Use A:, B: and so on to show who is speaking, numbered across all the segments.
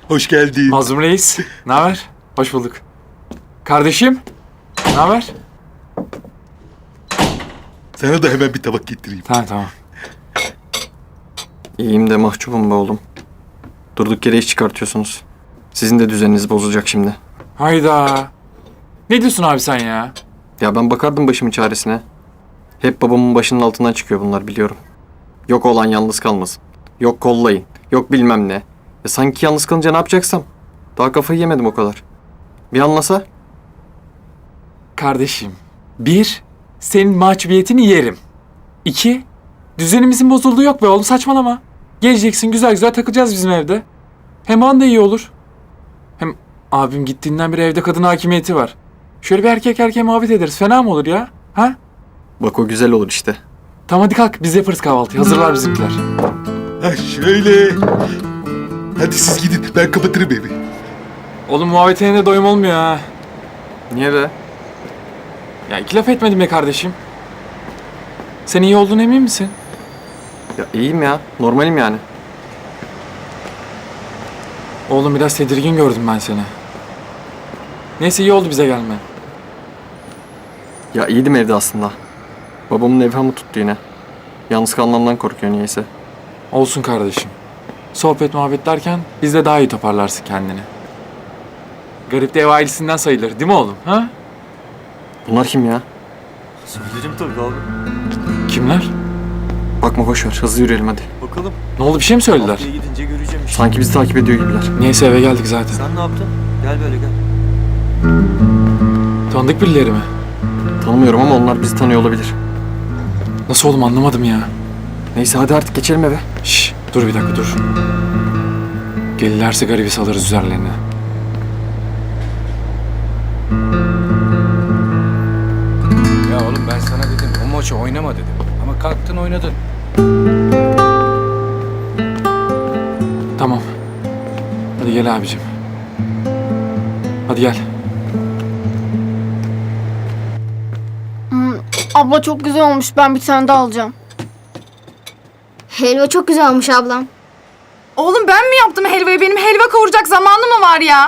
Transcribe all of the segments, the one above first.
A: Hoş geldin.
B: Mazlum Reis, ne haber? Hoş bulduk. Kardeşim, ne haber?
A: Sana da hemen bir tabak getireyim.
B: Tamam.
C: İyiyim de mahcubum be oğlum. Durduk yere iş çıkartıyorsunuz. Sizin de düzeniniz bozulacak şimdi.
B: Hayda. Ne diyorsun abi sen ya?
C: Ya ben bakardım başımın çaresine. Hep babamın başının altından çıkıyor bunlar biliyorum. Yok olan yalnız kalmasın. Yok kollayın. Yok bilmem ne. Sanki yalnız kalınca ne yapacaksam? Daha kafayı yemedim o kadar. Bir anlasa?
B: Kardeşim, 1, senin mahcubiyetini yerim. 2, düzenimizin bozulduğu yok be oğlum, saçmalama. Geleceksin, güzel güzel takılacağız bizim evde. Hem an da iyi olur. Hem abim gittiğinden beri evde kadın hakimiyeti var. Şöyle bir erkek erkeğe muhabbet ederiz, fena mı olur ya? Ha?
C: Bak o güzel olur işte.
B: Tamam hadi kalk, biz yaparız kahvaltıyı. Hazırlar bizimkiler.
A: Ha şöyle. Hadi siz gidin, ben kapatırım evi.
B: Oğlum muhabbetine de doyum olmuyor ha.
C: Niye be?
B: Ya iki laf etmedim be kardeşim. Sen iyi olduğuna emin misin?
C: Ya iyiyim ya. Normalim yani.
B: Oğlum biraz tedirgin gördüm ben seni. Neyse iyi oldu bize gelmen.
C: Ya iyiydim evde aslında. Babamın evhamı tuttu yine. Yalnız kalmamdan korkuyor niyeyse.
B: Olsun kardeşim. Sohbet muhabbet derken biz de daha iyi toparlarsın kendini. Garip de ev ailesinden sayılır değil mi oğlum? Ha?
C: Bunlar kim ya?
D: Söylerim tabii abi.
B: Kimler?
C: Bakma boş ver. Hızlı yürüyelim hadi.
D: Bakalım.
B: Ne oldu, bir şey mi söylediler?
D: Haftaya gidince göreceğim işte.
C: Sanki bizi takip ediyor gibiler.
B: Neyse eve geldik zaten.
D: Sen ne yaptın? Gel böyle gel.
B: Tanıdık birileri mi?
C: Tanımıyorum ama onlar bizi tanıyor olabilir.
B: Nasıl oğlum, anlamadım ya.
C: Neyse hadi artık geçelim eve.
B: Şşş dur bir dakika dur. Gelirlerse garibi salarız üzerlerine.
E: Ya oğlum ben sana dedim o maçı oynama dedim. Ama kalktın oynadın.
B: Tamam. Hadi gel abicim. Hadi gel.
F: Abla çok güzel olmuş. Ben bir tane daha alacağım.
G: Helva çok güzel olmuş ablam.
H: Oğlum ben mi yaptım helvayı? Benim helva kavuracak zamanım mı var ya?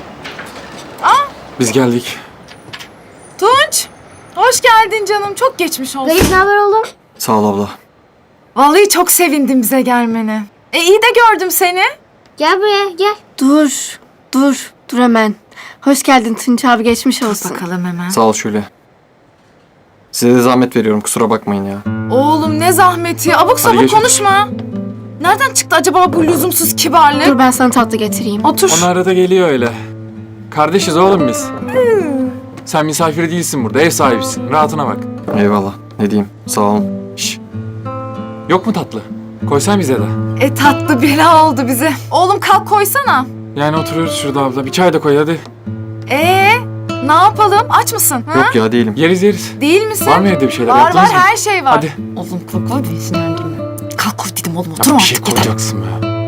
B: Biz geldik.
H: Tunç! Hoş geldin canım. Çok geçmiş olsun.
G: Garip ne haber oğlum?
C: Sağ ol abla.
H: Vallahi çok sevindim bize gelmene. İyi de gördüm seni.
G: Gel buraya gel.
F: Dur hemen. Hoş geldin Tunç abi, geçmiş olsun.
H: Bakalım hemen.
C: Sağ ol Şule. Size de zahmet veriyorum kusura bakmayın ya.
H: Oğlum ne zahmeti. Abuk sabuk
B: geç.
H: konuşma. Nereden çıktı acaba bu lüzumsuz kibarlık?
F: Dur ben sana tatlı getireyim.
H: Otur.
B: Onu arada geliyor öyle. Kardeşiz oğlum biz. Sen misafir değilsin burada, ev sahibisin. Rahatına bak.
C: Eyvallah. Ne diyeyim sağ olun.
B: Şşş. Yok mu tatlı? Koysan bize de.
H: Tatlı bela oldu bize. Oğlum kalk koysana.
B: Yani oturuyoruz şurada abla. Bir çay da koy hadi.
H: Ne yapalım? Aç mısın? Ha?
C: Yok ya değilim.
B: Yeriz.
H: Değil misin?
B: Var mı evde bir şeyler?
H: Var
B: Yaptınız mı?
H: her şey var.
B: Hadi.
H: Oğlum kalk koy beni sinirlendirme. Kalk koy dedim oğlum
B: Ya
H: oturma
B: bir şey
H: artık.
B: koyacaksın be.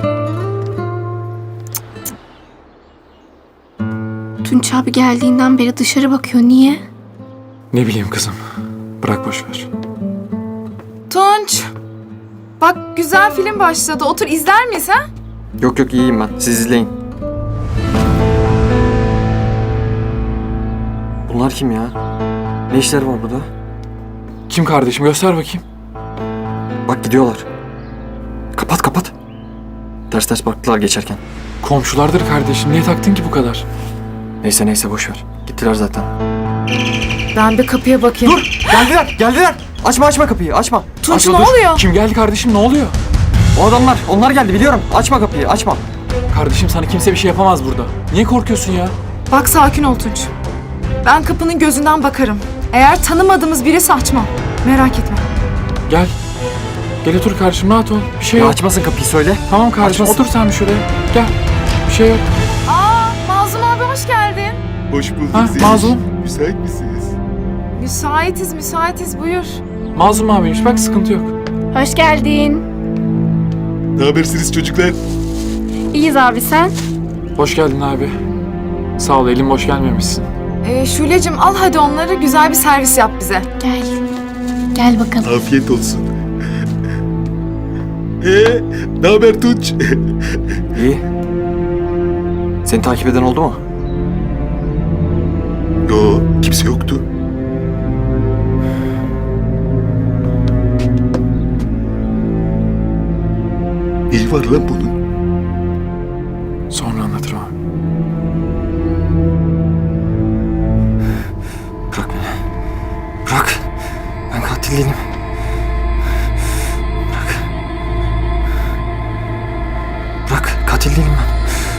F: Tunç abi geldiğinden beri dışarı bakıyor. Niye?
B: Ne bileyim kızım. Bırak boş ver.
H: Tunç. Bak güzel film başladı. Otur izler miyiz ha?
C: Yok iyiyim ben. Siz izleyin. Bunlar kim ya? Ne işleri var burada?
B: Kim kardeşim? Göster bakayım.
C: Bak gidiyorlar. Kapat. Ters baktılar geçerken.
B: Komşulardır kardeşim. Niye taktın ki bu kadar?
C: Neyse boş ver. Gittiler zaten.
H: Ben bir kapıya bakayım.
C: Dur! Geldiler! Açma kapıyı, açma.
H: Tunç
C: Açma,
H: ne
C: dur.
H: oluyor?
B: Kim geldi kardeşim? Ne oluyor?
C: O adamlar, onlar geldi biliyorum. Açma kapıyı, açma.
B: Kardeşim sana kimse bir şey yapamaz burada. Niye korkuyorsun ya?
H: Bak sakin ol Tunç. Ben kapının gözünden bakarım. Eğer tanımadığımız birisi açmam. Merak etme.
B: Gel. Gel otur kardeşim, rahat ol. Bir şey
C: Ya
B: yok.
C: açmasın kapıyı söyle.
B: Tamam kardeşim,
C: Açmasın.
B: otur sen bir şuraya. Gel. Bir şey yok.
H: Mazlum abi hoş geldin.
A: Hoş bulduk
B: Ha,
A: Zeliş.
B: mazlum.
A: Müsait misiniz?
H: Müsaitiz buyur.
B: Mazlum abiymiş, bak sıkıntı yok.
F: Hoş geldin.
A: Ne habersiniz çocuklar?
F: İyiyiz abi, sen?
B: Hoş geldin abi. Sağ ol, elin boş gelmemişsin.
H: Şule'cim al hadi onları, güzel bir servis yap bize.
F: Gel bakalım.
A: Afiyet olsun. Ne haber Tunç?
C: İyi. Seni takip eden oldu mu?
A: Yo, kimse yoktu. İyi var lan bunun.
B: Sonra anlatırım abi.
C: Bırak beni. Bırak. Ben katil değilim. Bırak. Bırak. Katil değilim ben.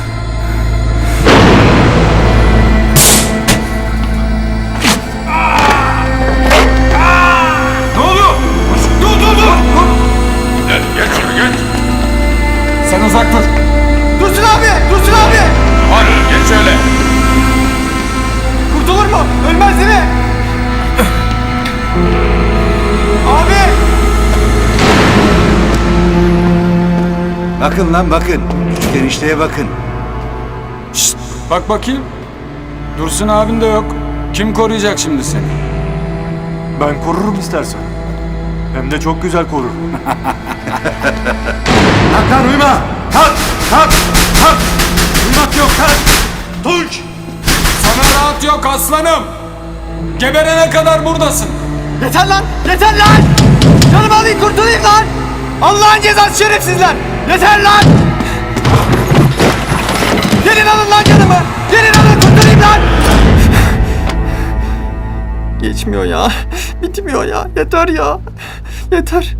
B: Sen uzak dur.
I: Dursun abi! Dursun abi!
E: Hadi geç şöyle.
I: Kurtulur mu? Ölmez değil mi? Abi!
J: Bakın lan bakın. Şu enişteye bakın.
E: Bak bakayım. Dursun abin de yok. Kim koruyacak şimdi seni?
D: Ben korurum istersen. Hem de çok güzel korurum.
J: Kalk lan uyuma. Kalk. Kalk. Kalk. Uyumak yok kalk. Tunç.
E: Sana rahat yok aslanım. Geberene kadar buradasın.
I: Yeter lan! Yeter lan! Canımı alayım kurtulayım lan! Allah'ın cezası şerefsizler! Yeter lan! Gelin alın lan canımı! Gelin alın kurtulayım lan!
C: Geçmiyor ya. Bitmiyor ya. Yeter ya. Yeter.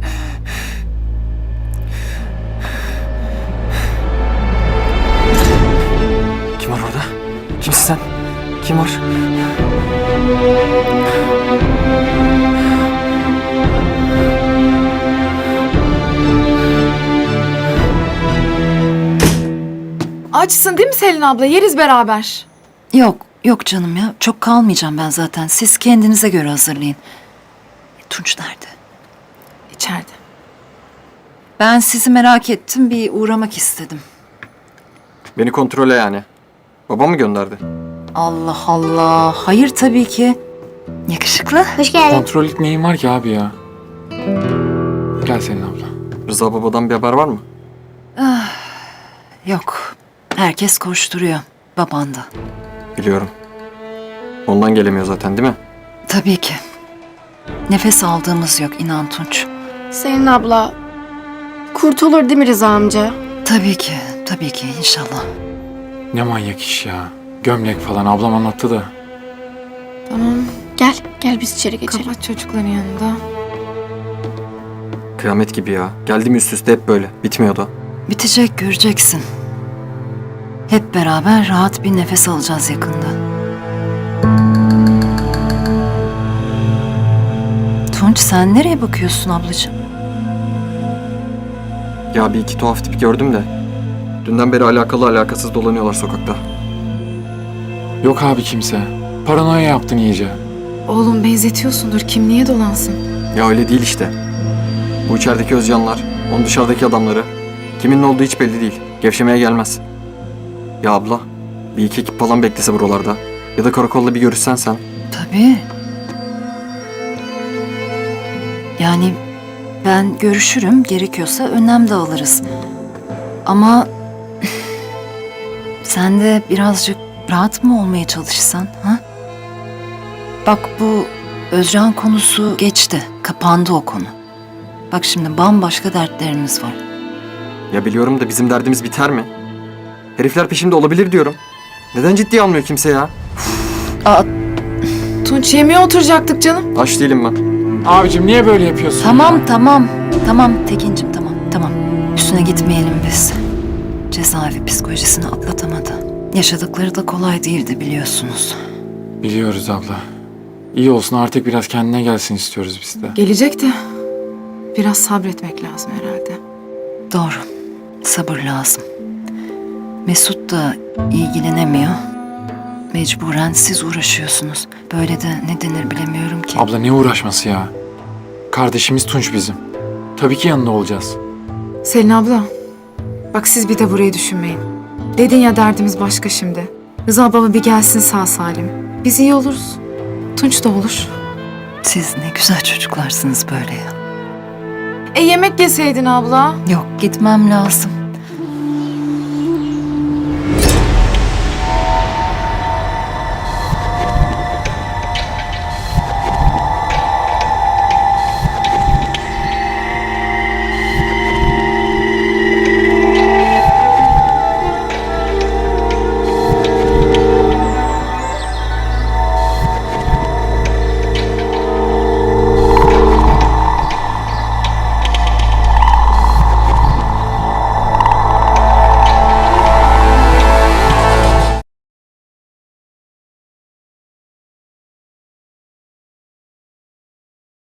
C: Kim var orada? Kimsin sen? Kim var?
H: Açsın değil mi Selin abla? Yeriz beraber.
K: Yok, yok canım ya. Çok kalmayacağım ben zaten. Siz kendinize göre hazırlayın. Tunç nerede?
H: İçeride.
K: Ben sizi merak ettim. Bir uğramak istedim.
C: Beni kontrole yani. Babam mı gönderdi?
K: Allah Allah. Hayır tabii ki. Yakışıklı.
G: Hoş geldin.
B: Kontrollük neyin var ki abi ya? Gel Selin abla.
C: Rıza babadan bir haber var mı?
K: Yok. Herkes koşturuyor. Baban da.
C: Biliyorum. Ondan gelemiyor zaten değil mi?
K: Tabii ki. Nefes aldığımız yok inan Tunç.
F: Selin abla, kurtulur değil mi Rıza amca?
K: Tabii ki. Tabii ki inşallah.
B: Ne manyak iş ya. Gömlek falan ablam anlattı da.
H: Tamam.
F: Gel biz içeri geçelim.
H: Kapat çocukların yanında.
C: Kıyamet gibi ya. Geldim üst üste hep böyle. Bitmiyor da.
K: Bitecek göreceksin. Hep beraber rahat bir nefes alacağız yakında. Tunç sen nereye bakıyorsun ablacığım?
C: Ya bir iki tuhaf tip gördüm de. Dünden beri alakalı alakasız dolanıyorlar sokakta.
B: Yok abi kimse. Paranoya yaptın iyice.
H: Oğlum benzetiyorsundur. Kim niye dolansın?
C: Ya öyle değil işte. Bu içerideki Özcanlar, onun dışarıdaki adamları. Kimin ne olduğu hiç belli değil. Gevşemeye gelmez. Ya abla, bir iki ekip falan beklese buralarda. Ya da karakolda bir görüşsen sen.
K: Tabii. Yani ben görüşürüm. Gerekiyorsa önlem de alırız. Ama sen de birazcık rahat mı olmaya çalışsan? Ha? Bak bu Özcan konusu geçti. Kapandı o konu. Bak şimdi bambaşka dertlerimiz var.
C: Ya biliyorum da bizim derdimiz biter mi? Herifler peşimde olabilir diyorum. Neden ciddiye almıyor kimse ya?
K: Aa,
H: Tunç yemeğe oturacaktık canım.
C: Aç değilim ben.
B: Abicim niye böyle yapıyorsun
K: tamam
B: ya?
K: tamam. Tamam Tekin'cim tamam. Üstüne gitmeyelim biz. Cezaevi psikolojisini atlatamadı. Yaşadıkları da kolay değildi biliyorsunuz.
B: Biliyoruz abla. İyi olsun artık biraz kendine gelsin istiyoruz biz de.
H: Gelecek de biraz sabretmek lazım herhalde.
K: Doğru. Sabır lazım. Mesut da ilgilenemiyor. Mecburen siz uğraşıyorsunuz. Böyle de ne denir bilemiyorum ki.
B: Abla ne uğraşması ya? Kardeşimiz Tunç bizim. Tabii ki yanında olacağız.
H: Selin abla, bak siz bir de burayı düşünmeyin. Dedin ya derdimiz başka şimdi. Rıza baba bir gelsin sağ salim. Biz iyi oluruz. Tunç da olur.
K: Siz ne güzel çocuklarsınız böyle ya.
H: Yemek yeseydin abla.
K: Yok gitmem lazım.